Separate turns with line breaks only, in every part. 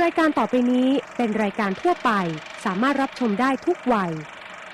รายการต่อไปนี้เป็นรายการทั่วไปสามารถรับชมได้ทุกวัย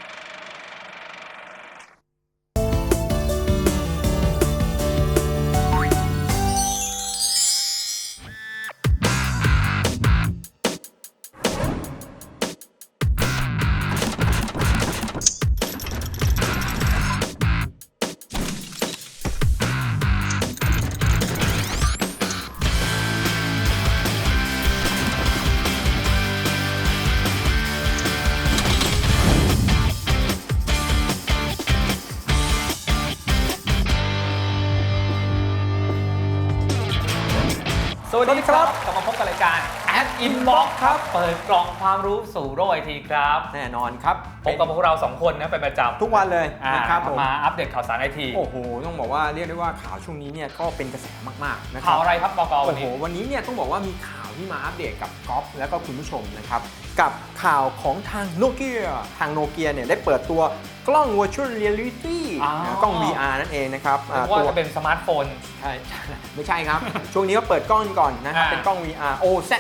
สวัสดีครับกลับมาพบกับรายการ Ad Inbox ครับเปิดกล่องความรู้สู่โลกไอทีครับ
แน่นอนครับ
พบกับพวกเรา2คนนะเป็นประจำ
ทุกวันเลยนะครับ
มาอัปเดตข่าวสารไอที
โอ้โหต้องบอกว่าเรียกได้ว่าข่าวช่วงนี้เนี่ยก็เป็นกระแสมากๆนะครับ
ข่าวอะไรครับบก.วันนี้
โอ้โหวันนี้เนี่ยต้องบอกว่ามีข่าวที่มาอัปเดตกับก๊อฟและก็คุณผู้ชมนะครับกับข่าวของทางโนเกียเนี่ยได้เปิดตัวกล้อง Virtual Reality กล้อง VR นั่นเองนะครับ
ว่าจะเป็นสมาร์ทโฟน
ใช่ไม่ใช่ครับ ช่วงนี้ก็เปิดกล้องก่อนนะครับเป็นกล้อง VR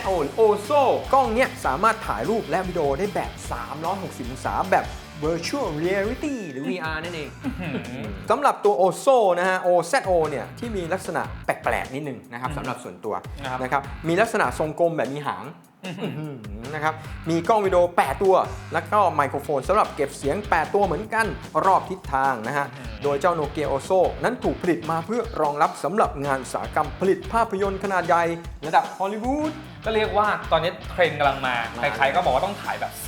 OZO กล้องเนี่ยสามารถถ่ายรูปและวิดีโอได้แบบ 360 องศาแบบ Virtual Reality หรือ VR นั่นเองสำหรับตัว OZO นะฮะ OZO เนี่ยที่มีลักษณะแปลกๆนิดนึงนะครับสำหรับส่วนตัวนะครับมีลักษณะทรงกลมแบบมีหางนะครับมีกล้องวิดีโอ8ตัวแล้วก็ไมโครโฟนสำหรับเก็บเสียง8ตัวเหมือนกันรอบทิศทางนะฮะโดยเจ้า Nokia Ozo นั้นถูกผลิตมาเพื่อรองรับสำหรับงานอุตสาหกรรมผลิตภาพยนตร์ขนาดใหญ่ระดับฮอลลีวูด
ก็เรียกว่าตอนนี้เทรนด์กำลังมาใครๆก็บอกว่าต้องถ่ายแบบ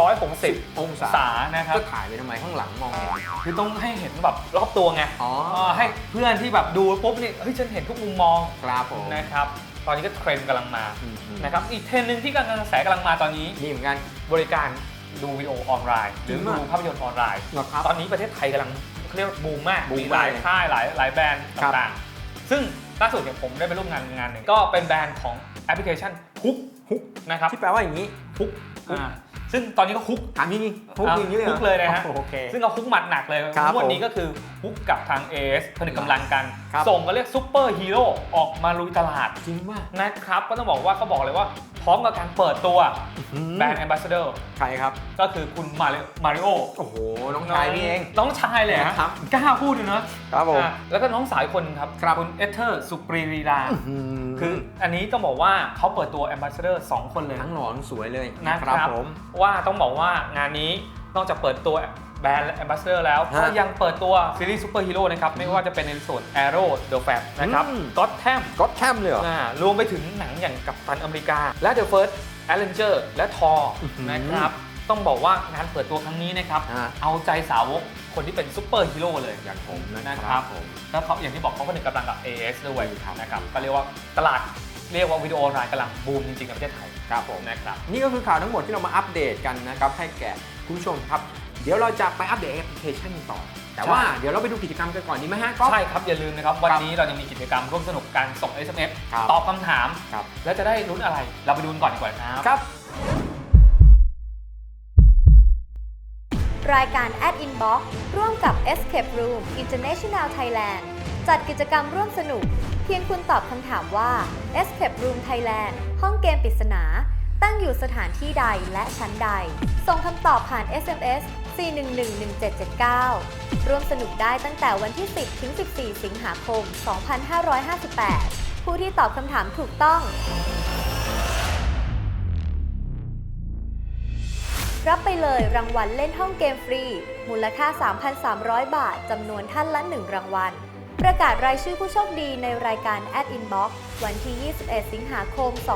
360องศานะครับ
ก็ถ่ายไปทำไมข้างหลังมองเห็น
คือต้องให้เห็นแบบรอบตัวไงให้เพื่อนที่แบบดูปุ๊บนี่เฮ้ยฉันเห็นทุกมุมมอง
ครับผม
นะครับตอนนี้ก็เทรนด์กำลังมานะครับอีกเทรนด์นึงที่กำลังกระแสกำลังมาตอนนี้
นี่เหมือนกัน
บริการดูวิดีโอออนไลน์หรือดูภาพยนตร์ออนไลน์ตอนนี้ประเทศไทยกำลังเรียกบูมมากมีหลายค่ายหลายแบรนด์ต่างๆซึ่งล่าสุดเนี่ยผมได้ไปร่วมงานหนึ่งก็เป็นแบรนด์ของแอปพลิเคชันฮุกนะครับ
ที่แปลว่าอย่างนี้
ฮุกซึ่งตอนนี้ก็ฮุก
ถามจริงฮุกอย่างนี้เลย
ฮุกเลยนะฮะซึ่งเอาฮุกหมัดหนักเลยวันนี้ก็คือฮุกกับทาง AS ผนึกกำลังกันส่งก็เรียกซุปเปอร์ฮีโร่ออกมาลุยตลาด
จริงมาก
นะครับก็ต้องบอกว่าเขาบอกเลยว่าพร้อมกับการเปิดตัวแบรนด์แอมบาสเดอร์
ใครครับ
ก็คือคุณมาริโอ
โอ้โหน้องชายพี่เอง
น้องชายเลยครับกล้าพูดเลย
นะครับผม
แล้วก็น้องสาวคนครับคุณเอเธอร์สุปรีรีลาคืออันนี้ต้องบอกว่าเขาเปิดตัวแอมบาสเดอร์2คนเลย
ทั้งหล่อทั้งสวยเลย
นะครับผมว่าต้องบอกว่างานนี้นอกจากเปิดตัวแบรนด์แอมบาสเดอร์แล้วก็ยังเปิดตัวซีรีส์ซูเปอร์ฮีโร่นะครับไม่ว่าจะเป็นในส่วน Arrow The Flash นะครับ
Gotham เลยเหรอ
รวมไปถึงหนังอย่างกัปตันอเมริกาและ The First Avenger และ Thor นะครับต้องบอกว่างานเปิดตัวครั้งนี้นะครับเอาใจสาวกคนที่เป็นซูเปอร์ฮีโร่เลย
อย่างผม
นะครับแล้วเขาอย่างที่บอกเขาก็เป็นกำลังกับ AS ด้วยนะครับก็เรียกว่าตลาดเรียกว่าวิดีโอออนไลน์กำลังบูมจริงๆในประเทศไทย
ครับผมนะครับนี่ก็คือข่าวทั้งหมดที่เรามาอัปเดตกันนะครับให้แก่คุณผู้ชมครับเดี๋ยวเราจะไปอัปเดตแอปพลิเคชันต่อแต่ว่าเดี๋ยวเราไปดูกิจกรรมกันก่อนดีไหมฮะ
ใช่ครับอย่าลืมนะครับวันนี้เรายังมีกิจกรรมร่วมสนุกการส่ง SMS ตอบคำถามแล้วจะได้ลุ้นอะไรเราไปดูก่อนดีกว่า
ครับ
รายการ Ad Inbox ร่วมกับ Escape Room International Thailand จัดกิจกรรมร่วมสนุกเพียงคุณตอบคำถามว่า Escape Room Thailand ห้องเกมปริศนาตั้งอยู่สถานที่ใดและชั้นใดส่งคำตอบผ่าน SMS 4111779 ร่วมสนุกได้ตั้งแต่วันที่ 10 ถึง 14 สิงหาคม 2558 ผู้ที่ตอบคำถามถูกต้องรับไปเลยรางวัลเล่นห้องเกมฟรีมูลค่า 3,300 บาทจำนวนท่านละ1รางวัลประกาศรายชื่อผู้โชคดีในรายการ Ad Inbox วันที่ 21 สิงหาคม 2558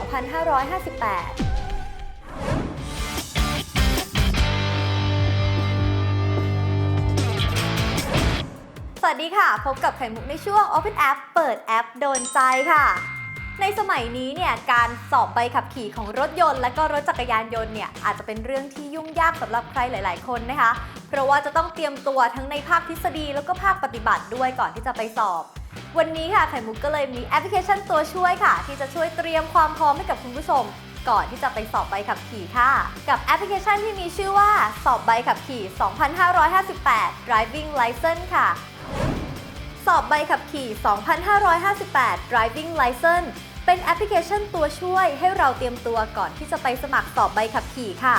สวัสดีค่ะพบกับไข่มุกในช่วง Open App เปิดแอปโดนใจค่ะในสมัยนี้เนี่ยการสอบใบขับขี่ของรถยนต์และก็รถจักรยานยนต์เนี่ยอาจจะเป็นเรื่องที่ยุ่งยากสำหรับใครหลายๆคนนะคะเพราะว่าจะต้องเตรียมตัวทั้งในภาคทฤษฎีแล้วก็ภาคปฏิบัติด้วยก่อนที่จะไปสอบวันนี้ค่ะไข่มุกก็เลยมีแอปพลิเคชันตัวช่วยค่ะที่จะช่วยเตรียมความพร้อมให้กับคุณผู้ชมก่อนที่จะไปสอบใบขับขี่ค่ะกับแอปพลิเคชันที่มีชื่อว่าสอบใบขับขี่ 2558 Driving License ค่ะสอบใบขับขี่ 2558 Driving License เป็นแอปพลิเคชันตัวช่วยให้เราเตรียมตัวก่อนที่จะไปสมัครสอบใบขับขี่ค่ะ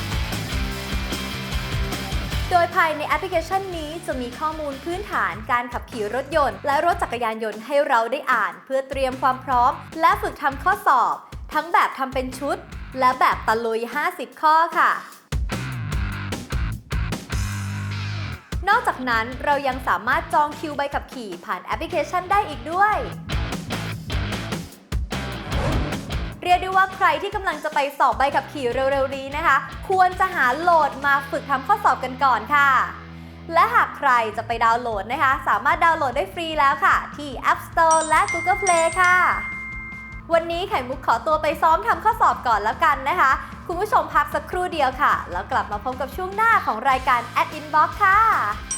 โดยภายในแอปพลิเคชันนี้จะมีข้อมูลพื้นฐานการขับขี่รถยนต์และรถจักรยานยนต์ให้เราได้อ่านเพื่อเตรียมความพร้อมและฝึกทำข้อสอบทั้งแบบทำเป็นชุดและแบบตะลุย 50 ข้อค่ะ นอกจากนั้นเรายังสามารถจองคิวใบขับขี่ผ่านแอปพลิเคชันได้อีกด้วยเรียกได้ว่าใครที่กำลังจะไปสอบใบขับขี่เร็วๆนี้นะคะควรจะหาโหลดมาฝึกทำข้อสอบกันก่อนค่ะและหากใครจะไปดาวน์โหลดนะคะสามารถดาวน์โหลดได้ฟรีแล้วค่ะที่ App Store และ Google Play ค่ะวันนี้ไข่มุกขอตัวไปซ้อมทำข้อสอบก่อนแล้วกันนะคะคุณผู้ชมพักสักครู่เดียวค่ะแล้วกลับมาพบกับช่วงหน้าของรายการ Ad Inbox ค่ะ